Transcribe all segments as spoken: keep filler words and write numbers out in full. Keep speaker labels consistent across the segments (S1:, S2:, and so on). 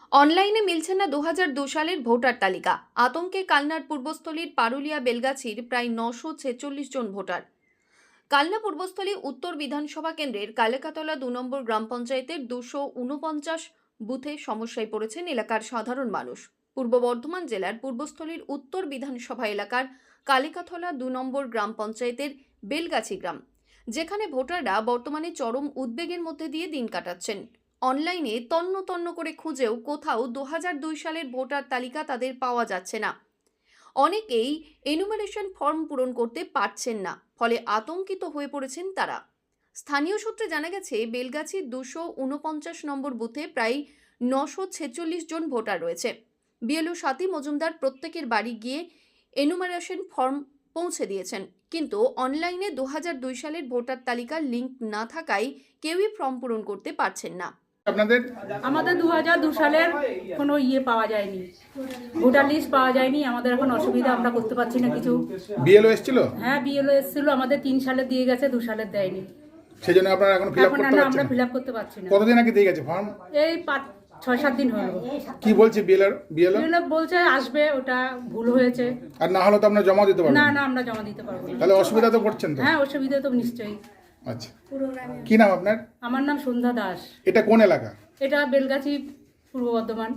S1: অনলাইনে মিলছে না দু হাজার দুই সালের ভোটার তালিকা। আতঙ্কে কালনার পূর্বস্থলীর পারুলিয়া বেলগাছির প্রায় নশো ছেচল্লিশ জন ভোটার। কালনা পূর্বস্থলী উত্তর বিধানসভা কেন্দ্রের কালেকাতলা দু নম্বর গ্রাম পঞ্চায়েতের দুশো উনপঞ্চাশ বুথে সমস্যায় পড়েছেন এলাকার সাধারণ মানুষ। পূর্ব বর্ধমান জেলার পূর্বস্থলীর উত্তর বিধানসভা এলাকার কালিকাতলা দু নম্বর গ্রাম পঞ্চায়েতের বেলগাছি গ্রাম, যেখানে ভোটাররা বর্তমানে চরম উদ্বেগের মধ্যে দিয়ে দিন কাটাচ্ছেন। অনলাইনে তন্ন তন্ন করে খুঁজেও কোথাও দু হাজার দুই সালের ভোটার তালিকা তাদের পাওয়া যাচ্ছে না। অনেকেই এনুমারেশন ফর্ম পূরণ করতে পারছেন না, ফলে আতঙ্কিত হয়ে পড়েছেন তারা। স্থানীয় সূত্রে জানা গেছে, বেলগাছির দুশো উনপঞ্চাশ নম্বর বুথে প্রায় নশো ছেচল্লিশ জন ভোটার রয়েছে। বিএলও স্বাতী মজুমদার প্রত্যেকের বাড়ি গিয়ে এনুমারেশন ফর্ম পৌঁছে দিয়েছেন, কিন্তু অনলাইনে দু হাজার দুই সালের ভোটার তালিকার লিঙ্ক না থাকায় কেউই ফর্ম পূরণ করতে পারছেন না।
S2: আপনাদের
S3: আমাদের দু হাজার দু সালের কোনো ইয়ে পাওয়া যায়নি, ভোটার লিস্ট পাওয়া যায়নি। আমাদের এখন অসুবিধা, আমরা করতে পারছি না কিছু।
S2: বিএলও এসেছিল?
S3: হ্যাঁ, বিএলও এসেছিল, আমাদের তিন সালে দিয়ে গেছে, দু সালের দেয়নি।
S2: সেজন্য আপনারা এখন ফিল আপ
S3: এখন
S2: করতে
S3: না,
S2: পারছেন
S3: আমরা
S2: না?
S3: ফিল আপ করতে পারছি না।
S2: কতদিন আগে দিয়ে গেছে ফর্ম?
S3: এই পাঁচ ছয় সাত দিন হলো।
S2: কি বলছে বিএলও? বিএলও
S3: বিএলও বলছে আসবে, ওটা ভুল হয়েছে।
S2: আর না হলে তো আপনারা জমা দিতে পারবেন
S3: না
S2: না?
S3: না, আমরা জমা দিতে পারবো না।
S2: তাহলে অসুবিধা তো পড়ছেন তো?
S3: হ্যাঁ, অসুবিধা তো নিশ্চয়ই।
S2: আচ্ছা, কি নাম আপনার?
S3: আমার নাম সন্ধ্যা দাস।
S2: এটা কোন এলাকা?
S3: এটা বেলগাছি, পূর্ব বর্ধমান।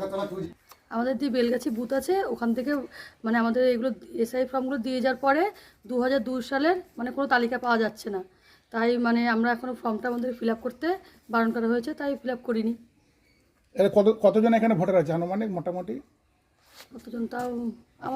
S4: আমাদের যে বেলগাছি বুথ আছে, ওখান থেকে মানে আমাদের এগুলো এসআই ফর্মগুলো দিয়ে যাওয়ার পরে দু হাজার দুই সালের মানে কোনো তালিকা পাওয়া যাচ্ছে না। তাই মানে আমরা এখনও ফর্মটা আমাদের ফিল আপ করতে বারণ করা হয়েছে, তাই ফিল আপ করিনি।
S2: এটা কত কতজন এখানে ভোটার আছে আনুমানিক মোটামুটি?
S4: কতজন তাও আমার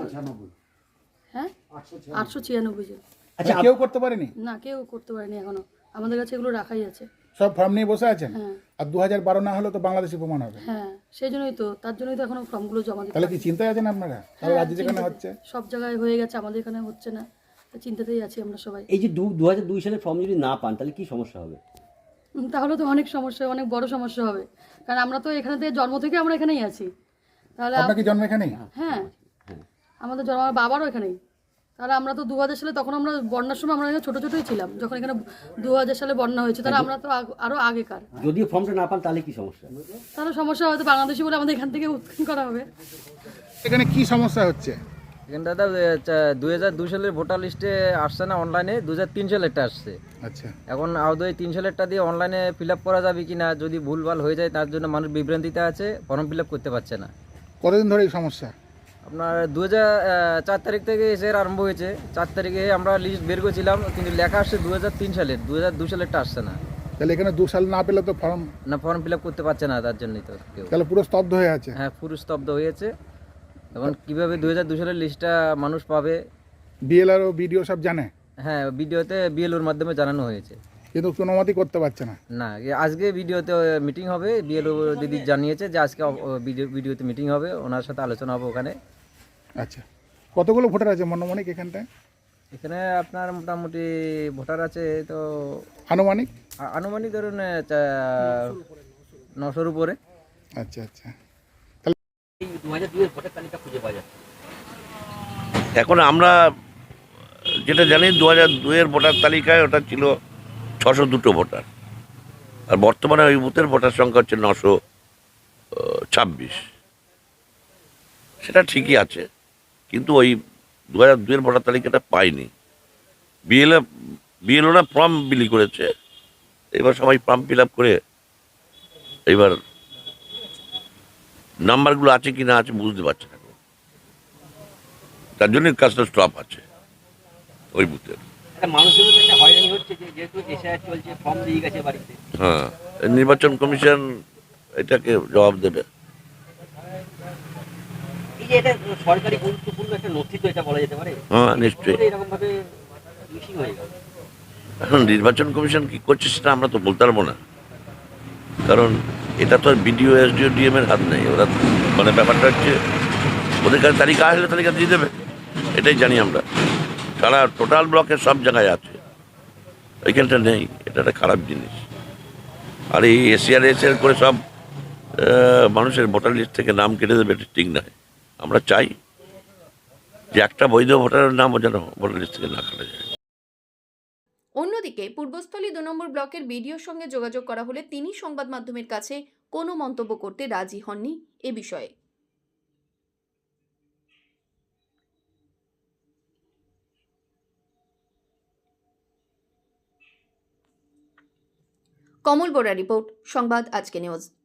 S4: হ্যাঁ আটশো ছিয়ানব্বই জন।
S2: আচ্ছা, কেউ করতে পারেনি?
S4: না, কেউ করতে পারেনি এখনো। আমাদের কাছে এগুলো রাখাই আছে।
S2: সব ফর্ম নিয়ে বসে আছেন?
S4: হ্যাঁ
S2: আর দু হাজার বারো না হলে তো বাংলাদেশি প্রমাণ হবে।
S4: হ্যাঁ, সেই জন্যই তো, তার জন্যই তো এখনো ফর্মগুলো জমা দিতে।
S2: তাহলে কি চিন্তায় আছেন আপনারা? তাহলে
S4: হ্যাঁ,
S2: রাজ্যে যেখানে
S4: চিন্তাতে।
S2: হচ্ছে
S4: সব জায়গায় হয়ে গেছে, আমাদের এখানে হচ্ছে না, তাই চিন্তাতেই আছি আমরা সবাই।
S5: এই যে দু হাজার দুই সালে ফর্ম যদি না পান তাহলে কি সমস্যা হবে?
S4: উম, তাহলে তো অনেক সমস্যা, অনেক বড় সমস্যা হবে। কারণ আমরা তো এখানে থেকে জন্ম থেকে আমরা এখানেই আছি। তাহলে আপ-
S2: আপনার কি জন্ম এখানেই?
S4: হ্যাঁ, আমাদের জন্ম, আমার বাবারও এখানেই। তাহলে আমরা তো দু হাজার সালে, তখন আমরা বন্যার সময় আমরা এখানে ছোটো ছোটোই ছিলাম, যখন এখানে দু হাজার সালে বন্যা হয়েছে। তাহলে আমরা তো আগ- আরো আগেকার।
S5: যদিও ফর্মটা না পান তাহলে কি সমস্যা?
S4: তাহলে সমস্যা হয়তো বাংলাদেশি বলে আমাদের এখান থেকে উৎখান করা হবে।
S2: এখানে কি সমস্যা হচ্ছে?
S6: এখানে দাদা দুই হাজার দুই সালের ভোটার লিস্টে আসছে না, অনলাইনে দু হাজার তিন সালেরটা আসছে।
S2: আচ্ছা,
S6: এখন আদৌ এই তিন সালেরটা দিয়ে অনলাইনে ফিল আপ করা যাবে কি না, যদি ভুলভাল হয়ে যায় তার জন্য মানুষ বিভ্রান্তিতে আছে, ফর্ম ফিল আপ করতে পারছে না।
S2: কতদিন ধরে এই সমস্যা?
S6: আপনার দু হাজার চার তারিখ থেকে এসে আরম্ভ হয়েছে। চার তারিখে আমরা লিস্ট বের করেছিলাম, কিন্তু লেখা আসছে দু হাজার তিন সালের, দু হাজার দুই সালেরটা আসছে না।
S2: তাহলে এখানে দু সাল না পেলে তো ফর্ম,
S6: না, ফর্ম ফিল আপ করতে পারছে না, তার জন্যই তো কেউ।
S2: তাহলে পুরো স্তব্ধ হয়ে আছে।
S6: হ্যাঁ, পুরো স্তব্ধ হয়েছে। এখন কীভাবে দু হাজার দুই সালের লিস্টটা মানুষ পাবে?
S2: বিএলআর ও বিডিও সব জানে,
S6: হ্যাঁ, ভিডিওতে বিএলওর মাধ্যমে জানানো হয়েছে।
S2: কিন্তু কোনো মতেই করতে পারছে না।
S6: না, এ আজকে ভিডিওতে মিটিং হবে, বিএলও দিদি জানিয়েছে যে আজকে অ- ও ভিডিও ভিডিওতে মিটিং হবে, ওনার সাথে আলোচনা হবে ওখানে।
S2: আচ্ছা, কতগুলো ভোটার আছে মনোমানিক এখানটায়?
S6: এখানে আপনার মোটামুটি ভোটার আছে তো
S2: আনুমানিক?
S6: আ- আনুমানিক ধরুন এ, চা- নশোর উপরে।
S2: আচ্ছা আচ্ছা,
S5: এই দু হাজার দুই এর ভোটার তালিকা খুঁজে পাওয়া যায়?
S7: এখন আমরা যেটা জানি দু হাজার দুইয়ের ভোটার তালিকায় ওটা ছিল ছশো দুটো ভোটার, আর বর্তমানে ওই বুথের ভোটার সংখ্যা হচ্ছে নশো ছাব্বিশ। সেটা ঠিকই আছে, কিন্তু ওই দু হাজার দুইয়ের ভোটার তালিকাটা পাইনি। বিএলএ বিএলওরা ফর্ম বিলি করেছে, এবার সবাই ফর্ম ফিল আপ করে এবার নাম্বারগুলো আছে কি না আছে বুঝতে পারছে না, তার জন্য কাজটা স্টপ আছে ওই বুথের।
S5: একটা মানুষের তো একটা হয়রানি হচ্ছে যে যেহেতু এসআইআর চলছে, ফর্ম দিয়ে গেছে বাড়িতে।
S7: হ্যাঁ, নির্বাচন কমিশন এটাকে জবাব দেবে।
S5: এই যে এটা সরকারি গুরুত্বপূর্ণ একটা নথি তো এটা বলা যেতে পারে।
S7: হ্যাঁ, নিশ্চয়ই।
S5: এরকম ভাবে মিসিং হয়ে গেল।
S7: এখন নির্বাচন কমিশন কি করছে সেটা আমরা তো বলতে পারবো না, কারণ এটা তো আর বিডিও এসডিও ডিএম এর হাত নেই। ওরা মানে ব্যাপারটা হচ্ছে ওদের কাছে তালিকা আসলে তালিকা দিয়ে দেবে, এটাই জানি আমরা। সারা টোটাল ব্লকের সব জায়গায় আছে, ওইখানটা নেই। এটা একটা খারাপ জিনিস। আর এই এসিআর এসিআর করে সব আহ, মানুষের ভোটার লিস্ট থেকে নাম কেটে দেবে, এটা ঠিক নয়। আমরা চাই যে একটা বৈধ ভোটারের নাম যেন ভোটার লিস্ট থেকে না কাটা যায়।
S1: অন্যদিকে পূর্বস্থলী দু নম্বর ব্লকের বিডিওর সঙ্গে যোগাযোগ করা হলে তিনি সংবাদ মাধ্যমের কাছে কোনো মন্তব্য করতে রাজি হননি এ বিষয়ে। কমল বোরা রিপোর্ট, সংবাদ আজকে নিউজ।